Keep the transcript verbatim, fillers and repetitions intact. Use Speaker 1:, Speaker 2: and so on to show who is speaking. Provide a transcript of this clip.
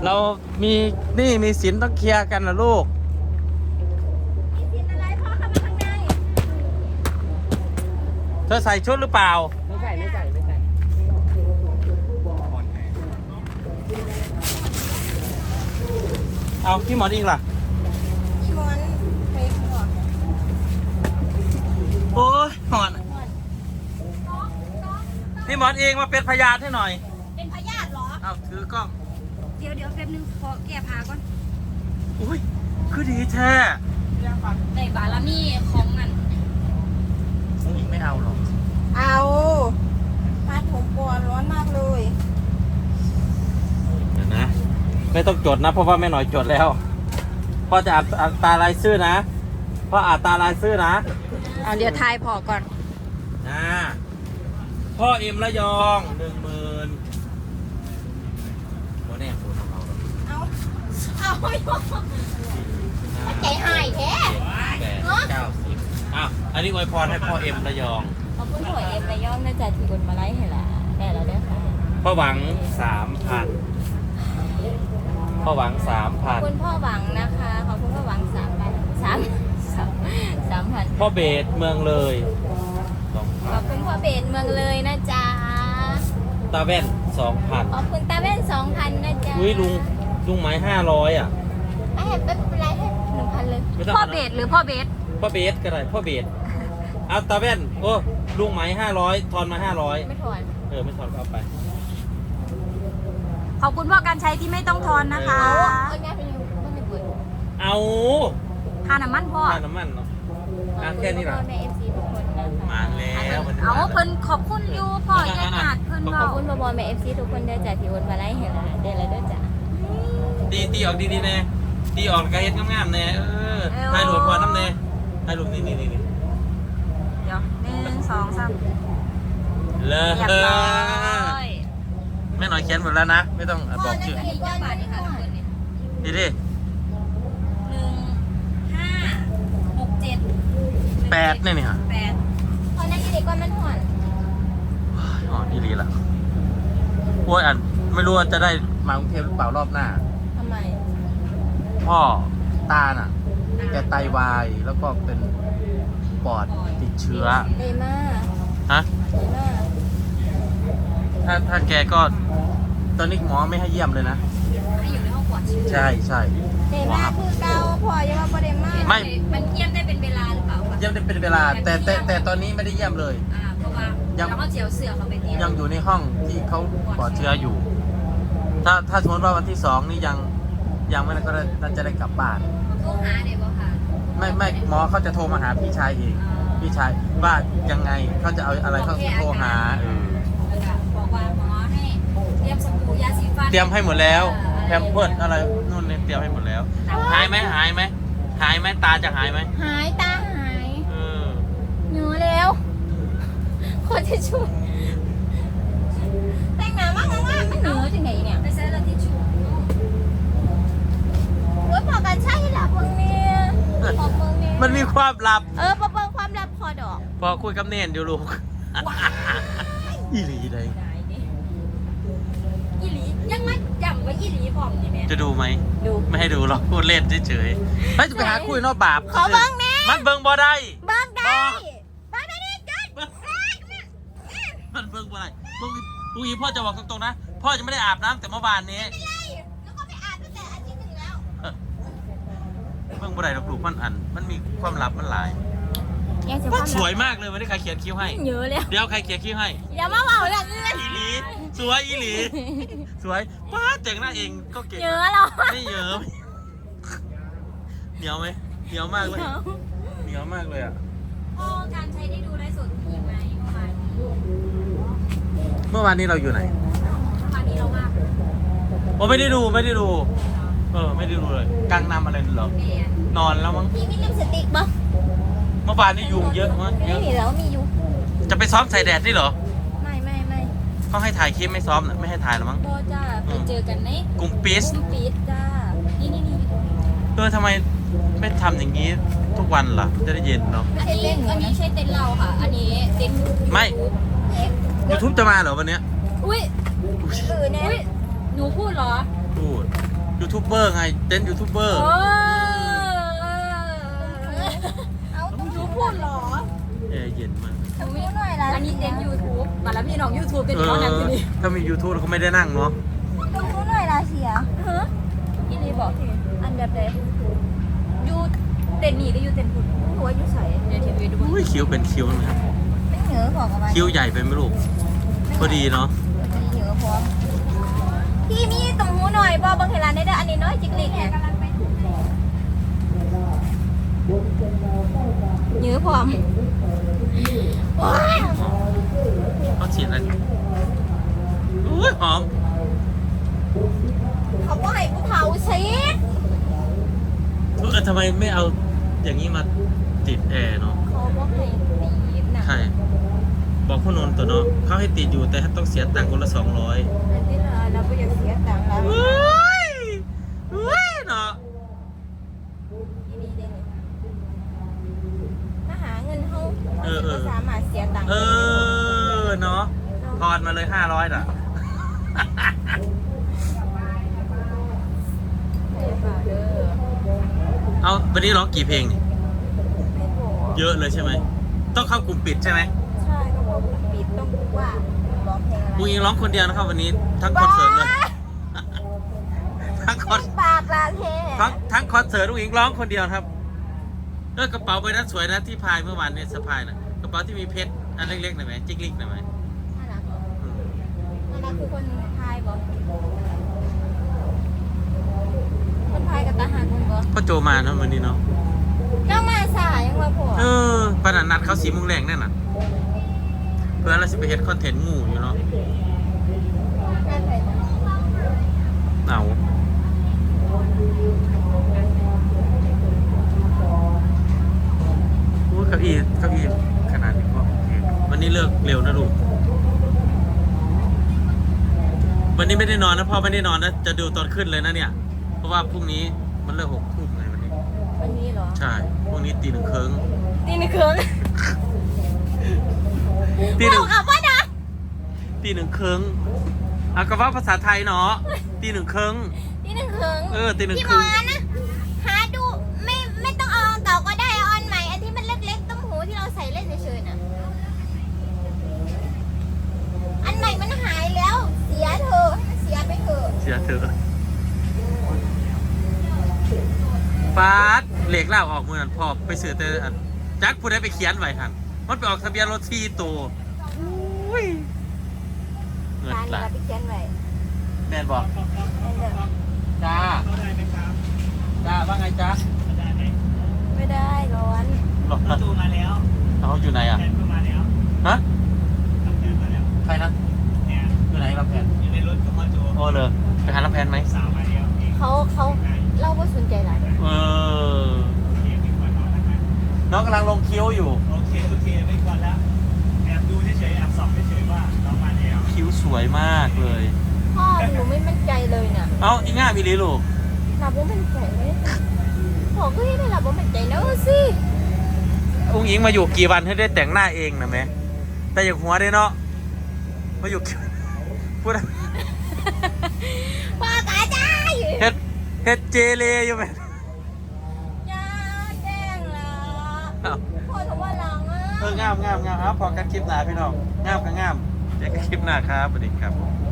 Speaker 1: เรามีหนี่มีสินต้องเคลียร์กันนะลูก
Speaker 2: มีสินอะไรพ่อเข้ามาข้างใน
Speaker 1: เธอใส่ชุดหรือเปล่า
Speaker 3: ไม่ใส่ไม่ใส่ไม่ใส่
Speaker 1: เอาพี่หมอนอิงล่ะ
Speaker 2: พี่มอนไปข้างนอก
Speaker 1: โอ้ยหมอนพี่หมอนเองมาเป็นพยานให้หน่อย
Speaker 2: เป็นพยาธิเหรอ
Speaker 1: เอาถือกล้อง
Speaker 2: เดี๋ยวเดี๋ยวแป๊บนึงขอแก้ผ้าก่อน
Speaker 1: อุ้ยคือดีแท้
Speaker 2: ในบารมีของมัน
Speaker 1: น้องอิงไม่เอาหรอก
Speaker 2: เอาผ้าผมก่อนร้อนมากเลย
Speaker 1: เดี๋ยวนะไม่ต้องจดนะเพราะว่าแม่หน่อยจดแล้วพ่อจะอ่านอ่านตารายชื่อนะพ่ออ่านตารายชื่อนะ
Speaker 2: เอาเดี๋ยวทายพอก่อน
Speaker 1: นะพ่อเอ็มระยองหนึ่งหมื่นโมแน่โมของเรา
Speaker 2: เอาเอาใจหายแท้
Speaker 1: แปดเก้าสิบอ้าวอันนี้อวยพรให้พ่อเอ็มระยอง
Speaker 2: ขอบคุณพ่อเอ็มระยองน่าจะถือบนมาไล่ให้ละได้แล้วเด้อค่ะ
Speaker 1: พ่อหวังสามพันพ่อหวังสามพัน
Speaker 2: ขอบคุณพ่อหวังนะคะขอบคุณพ่อหวังสามพันสามสามสามพัน
Speaker 1: พ่อเบสเมืองเลย
Speaker 2: ขอบคุณพ่อเบสเมืองเลยนะจ๊ะ
Speaker 1: ตาแว่นสองพัน
Speaker 2: ขอบคุณตาแว่นสองพันนะจ๊ะ
Speaker 1: อุ้ยลุงลุงไม้ห้าร้อยอ่ะ
Speaker 2: ไม่ให้เป็นไรให้หนึ่งพันเลยพ่อเบสหรือพ่อเบส
Speaker 1: พ่อเบสก็ได้พ่อเบสเอาตาแว่นโอ้ลุงไม้ห้าร้อยทอนมาห้าร้อย
Speaker 2: ไม่ทอน
Speaker 1: เออไม่ทอนก็เอาไป
Speaker 2: ขอบคุณพ่อการใช้ที่ไม่ต้องทอนนะคะ
Speaker 1: เอา
Speaker 2: ค่าน้ำมันพ่อ
Speaker 1: ค่าน้ำมันเนาะแค่นี้หรอมาแล้ว
Speaker 2: เอาเพิ่นขอบคุณอยู่พ่อญาติเพิ่นขอบคุณพ่อบอลแม่เอฟซีทุกคนเด้อจ้ะที่วนมาไล่เห็นเด้อแล้วเด้อจ้ะ
Speaker 1: ดีตีออกดีดีแน่ตีออกกระเฮ็ดงามๆแน่เออถ่ายรูปพอน้ำแน่ถ่ายรูปนี่นี่นี่
Speaker 2: เดี๋ยวหนึ่งสองสาม
Speaker 1: เลิศ
Speaker 2: เรียบร้อย
Speaker 1: แม่หน่อยเขียนหมดแล้วนะไม่ต้องบอกชื่อดีดิ
Speaker 2: หนึ่งห้าหกเจ็ด
Speaker 1: แปดเนี่ยนี่ฮะ
Speaker 2: แปดพอนั่นที่เด็กก้อนมันห่อน
Speaker 1: ห่อนนี่ดีละโอ้ยอันไม่รู้ว่าจะได้มากรุงเทพหรือเปล่ารอบหน้า
Speaker 2: ทำไม
Speaker 1: พ่อตาน่ะแกไตวายแล้วก็เป็นปอดติดเชื้อ
Speaker 2: เดม่า
Speaker 1: ฮะ
Speaker 2: เดม่า
Speaker 1: ถ้าถ้าแกก็ตอนนี้หมอไม่ให้เยี่ยมเลยนะ
Speaker 2: ให้อยู่ในห้องปลอดเชื้อ
Speaker 1: ใช่ใช่
Speaker 2: เดม่าคือเกาพอยังว่าเดม่าไม่มันเยี่ยมได้เป็นเวลาหรือเปล่า
Speaker 1: เยี่ยมได้เป็นเวลาแต่แต่แต่ตอนนี้ไม่ได้เยี่ยมเลย
Speaker 2: อ่าเพราะว่ายังเขาเจียวเสือเขาไปเยี่ยม
Speaker 1: ยังอยู่ในห้องที่เขาปลอดเชื้ออยู่ถ้าถ้าสมมติว่าวันที่สองนี่ยังยังไม่ก็น่าจะได้กลับบ้าน
Speaker 2: โทรหาเด็กบ่ค่ะ
Speaker 1: ไม่ไม่หมอเขาจะโทรมาหาพี่ชายเองพี่ชายว่ายังไงเขาจะเอาอะไรเขาโทรหาเออ
Speaker 2: บอกว่าหมอให้เตรียมสบู่ยาสีฟัน
Speaker 1: เตรียมให้หมดแล้วแพมเพิร์สอะไรนู่นเนี่ยเตรียมให้หมดแล้วหายไหมหายไหมหายไหมตาจะหายไหม
Speaker 2: หายตาหาย
Speaker 1: เออ
Speaker 2: เหนื่อยแล้วคนจะช่วยแต่งหน้ามากมากมันเหนื่อยจังไงเนี่ยไปใช้แล้วที่ช่วยโอ้ยพอกันใช่หลับมึงเนี่ยพอมึงเนี่ย
Speaker 1: มันมีความลับ
Speaker 2: เออพอเปิดความลับพอดอก
Speaker 1: พอคุยกับเนนอยู่ลูกอีหลีเลย
Speaker 2: อีหลียังไม่จำว่าอีหลีพร้อมนี่แม่
Speaker 1: จะดูไหม
Speaker 2: ดู
Speaker 1: ไม่ให้ดูหรอกพูดเล่นเฉยๆไม่จะไปหาคุยนอกบาป
Speaker 2: ขอเบิ้งแน่
Speaker 1: มันเบิ้งบ่ได้
Speaker 2: เบิ้งได้เบิ้งได้ดิจ้ะ
Speaker 1: มันเบิ้งบ่ได้ลูกลูกอีพ่อจะบอกตรงๆนะพ่อจะไม่ได้อาบน้ำแต่เมื่อวานนี้
Speaker 2: ไม่ไรแล้วก็ไปอาบตั้งแต่อาทิตย์หนึ่งแล้ว
Speaker 1: เบิ้งบ่ได้ลูกมันอันมันมีความลับมันหลายว่าสวยมากเลยวันนี้ใครเขียนคิ้วให้
Speaker 2: เยอะเลย
Speaker 1: เดี๋ยวใครเขียนคิ้วให้
Speaker 2: อย่ามาเบาเลย
Speaker 1: อีหลีสวยอีหลีสวยป้าเจ๋งหน้าเองก็เก่ง
Speaker 2: เยอะหรอ
Speaker 1: ไม่เยอะเหนียวไหมเหนียวมากเลยเหนียวมากเลยอ่ะ
Speaker 2: พ่อการใช้ได้ดูไลฟ์สดอีกไหม
Speaker 1: เมื่อวานเมื่อวานนี้เราอยู่ไหน
Speaker 2: เมื่อวานนี้เราว่า
Speaker 1: โอ้ไม่ได้ดูไม่ได้ดูเออไม่ได้ดูเลยกลางนำอะไรเหรอนอนแล้วมั้ง
Speaker 2: พี่มีลิปสติกปะ
Speaker 1: เมื่อวานนี้ยุงเยอะมั้ง
Speaker 2: ไม่มีแล้วมียุง
Speaker 1: จะไปซ้อมใส่แดดนี่เหรอ
Speaker 2: ไม่ไม่ไม่
Speaker 1: เขาให้ถ่ายคลิปไม่ซ้อมนะไม่ให้ถ่ายหรอมั้ง
Speaker 2: โบจ้าไปเจอกันใน
Speaker 1: กลุ่มปี๊ด
Speaker 2: กลุ่มปี๊ดจ้านี่นี่นี่
Speaker 1: เออทำไมไม่ทำอย่างนี้ทุกวันล่ะจะได้เย็นเนาะ
Speaker 2: อันนี้อันนี้ใช่เต็นท์เราค่ะอันนี้เต็นท์
Speaker 1: ไม่ YouTube จะมาเหรอวันเนี้ย
Speaker 2: อุ้ยเออเนี่ยหนูพูดเหรอ
Speaker 1: พูดยูทูบเบอร์ไงเต้นยูทูบเบอร์
Speaker 2: โอ้เอายูพูดหรอ
Speaker 1: แอร์เย็นมาก
Speaker 2: ทำไม่หน่อยละอันนี้เต็นยูทูบมาแล้วพี่น้องยูทูบเป็น
Speaker 1: เอ
Speaker 2: น้องนั่งที่
Speaker 1: อ
Speaker 2: นี่
Speaker 1: ถ้ามี YouTube เราก็ไม่ได้นั่งเนาะ
Speaker 2: ต้องรู้หน่อยละเสียฮะอีนี่บอกทีอันแบบใดยูเต็นนี่หรือยูเต็นคุณหัวยูใส่เดี๋ยวทีวีดู
Speaker 1: อุ้ยคิ้วเป็นคิ้วนะครับ
Speaker 2: ไม่เหนือของอะไร
Speaker 1: คิ้วใหญ่ไปไหมลูกพอดีเนาะ
Speaker 2: มีเหนือพร้อมพี่มีตรงหูหน่อยบอบางเวลาในเด้ออันนี้น้อยจิกลิกเนี่ยเหนือพร้อมว้าว
Speaker 1: เขาฉีดอะไรอุ้ยหอม
Speaker 2: เขาก็ให้กูเผาสิ
Speaker 1: เออทำไมไม่เอาอย่างนี้มาติดแอร์เนาะ
Speaker 2: เขาบอกให้ตีบนะ
Speaker 1: ใช่บอกคุณนนท์ตัวเนาะเขาให้ติดอยู่แต่ต้องเสียตังค์คนละสองร้อย
Speaker 2: อันที่เราเราก็อยากเสียตังค์แล้ว
Speaker 1: อุ้ยอุ้ยเนาะ
Speaker 2: ที่นี่เด้นี่มาหาเงินเขา
Speaker 1: เออเออ
Speaker 2: สามารถเสียตังค์
Speaker 1: เออเนาะทอนมาเลยห้าร้อยน่ะ
Speaker 2: ได้เปล่าเด้อ
Speaker 1: เอาวันนี้ร้องกี่เพลงนี่
Speaker 2: ไม่บอก
Speaker 1: เยอะเลยใช่ไหมต้องเข้ากลุ่มปิดใช่ไหม
Speaker 2: ใช่ก็บอกปิดต้องว่าร้องเพลงอะไร
Speaker 1: กูยิงร้องคนเดียวนะครับวันนี้ทั้งคอนเสิร์ตเลย ทั้งคอน
Speaker 2: ปากลาเท
Speaker 1: ทั้งทั้งคอนเสิร์ตลูกหญิงร้องคนเดียวครับเออกระเป๋าใบนั้นสวยนะที่พายเมื่อวานเนี่ยสะพายนะกระเป๋าที่มีเพชรอันเล็กๆหน่อยไหมจิกลิกหน่อยไหม
Speaker 2: น่ารักเหรอ
Speaker 1: อืม
Speaker 2: น่ารักคือคนไทยบอกคนไทยกับทหารคนบอก
Speaker 1: พ่อโจมาเนาะวันนี้เนาะ
Speaker 2: เจ้ามาสายยังมาผัว
Speaker 1: เออปนัดนัดเขาสีโมุงแรงแน่น่ะเพื่อนเราสิไปเฮ็ดคอนเทนต์หมู่อยู่เนาะ
Speaker 2: น่าใส่จัง
Speaker 1: เอาโอ้ยเก้าอี้เก้าอี้ขนาดนี้ก็โอเควันนี้เลิกเร็วนะลูกวันนี้ไม่ได้นอนนะพ่อไม่ได้นอนนะจะดูตอนขึ้นเลยนะเนี่ย เพราะว่าพรุ่งนี้มันเลิกหกทุ่มไงวันนี้
Speaker 2: วันนี้เหรอ
Speaker 1: ใช่พรุ่งนี้ตีหนึ่งครึ่ง
Speaker 2: ตีหนึ่งครึ่ง
Speaker 1: ตีหนึ่ง
Speaker 2: บอกเอาว่านะ
Speaker 1: ตีหนึ่งครึ่งเอาก็ว่าภาษาไทยเนาะตีหนึ่งครึ่ง
Speaker 2: ตีหนึ่งครึ่ง
Speaker 1: เออตีหนึ่ง
Speaker 2: พี่
Speaker 1: ค
Speaker 2: หม
Speaker 1: รึ่
Speaker 2: อง นะหาดูไม่ไม่ต้องเอาอันเก่าก็ได้เอาอันใหม่อันที่มันเล็กๆต้มหูที่เราใส่เล่นเฉยๆน่ะอันใหม่มันหายแล้ว เสียเถอะให้มันเสียไปเถอะ
Speaker 1: เสียเถอะฟาดเหล็กเล่าออกมือนั่นพอไปซื้อแต่อันจักผู้ใดไปเขียนไว้หันมันไปออกทะเบียนรถที่ตัวอุ้ยเงิน
Speaker 2: ร้าน
Speaker 1: หลา
Speaker 2: เรา
Speaker 1: ย
Speaker 2: ไปเขียนไว้
Speaker 1: แม่นบอก
Speaker 2: นั่นเด้อ
Speaker 1: จ้าจ้าว่าไงจ้า
Speaker 2: ไม่ได้ร้อน
Speaker 1: หลอก
Speaker 3: ประตูมาแล้ว
Speaker 1: เขาอยู่ไหนอ่ะ
Speaker 3: แผนก็มาแล้ว
Speaker 1: ฮะ
Speaker 3: ทำแผนมาแล้ว
Speaker 1: ใครนะ
Speaker 3: เนี่ย
Speaker 1: อยู่ไหนรับแผน
Speaker 3: อยู่ในรถกับพ่อโจ
Speaker 1: โอ้เลยไปหารับแผนไหม
Speaker 3: สาวมาแล้วเอง
Speaker 2: เขาเขาเล่าว่าสนใจหลาย
Speaker 1: เออ
Speaker 3: เองเป็นคนนอนนะครับ
Speaker 1: น้องกำลังลงคิ้วอยู่
Speaker 3: โอเคโอเคไม่ก่อนแล้วแอบดูเฉยๆแอบส่องเฉยๆว่าน้องมาแล้ว
Speaker 1: คิ้วสวยมากเลย
Speaker 2: พ่อหนูไม่มั่นใจเลยน่ะ
Speaker 1: เอ้าอีง่ามีลีลูก
Speaker 2: หลับว่ามั่นใจไหมพ่อก็ให้ได้หลับว่ามั่นใจนะสิ
Speaker 1: อุ้งอิงมาอยู่กี่วันให้ได้แต่งหน้าเองนะแม่แต่อย่างหัวได้เนาะมาอยู่ พูดอะไร
Speaker 2: พ่อกาจ้าอยู่
Speaker 1: เฮ็ดเฮ็ดเจเลอยู่ไหม
Speaker 2: จ้าแจ้งแล้ว
Speaker 1: เอ้า
Speaker 2: พ่อถือว่าหลังอ่ะ
Speaker 1: เอองามงามงามครับพอกันคลิปหน้าพี่น้องงามก็งามเจอกันคลิปหน้าครับสวัสดีครับ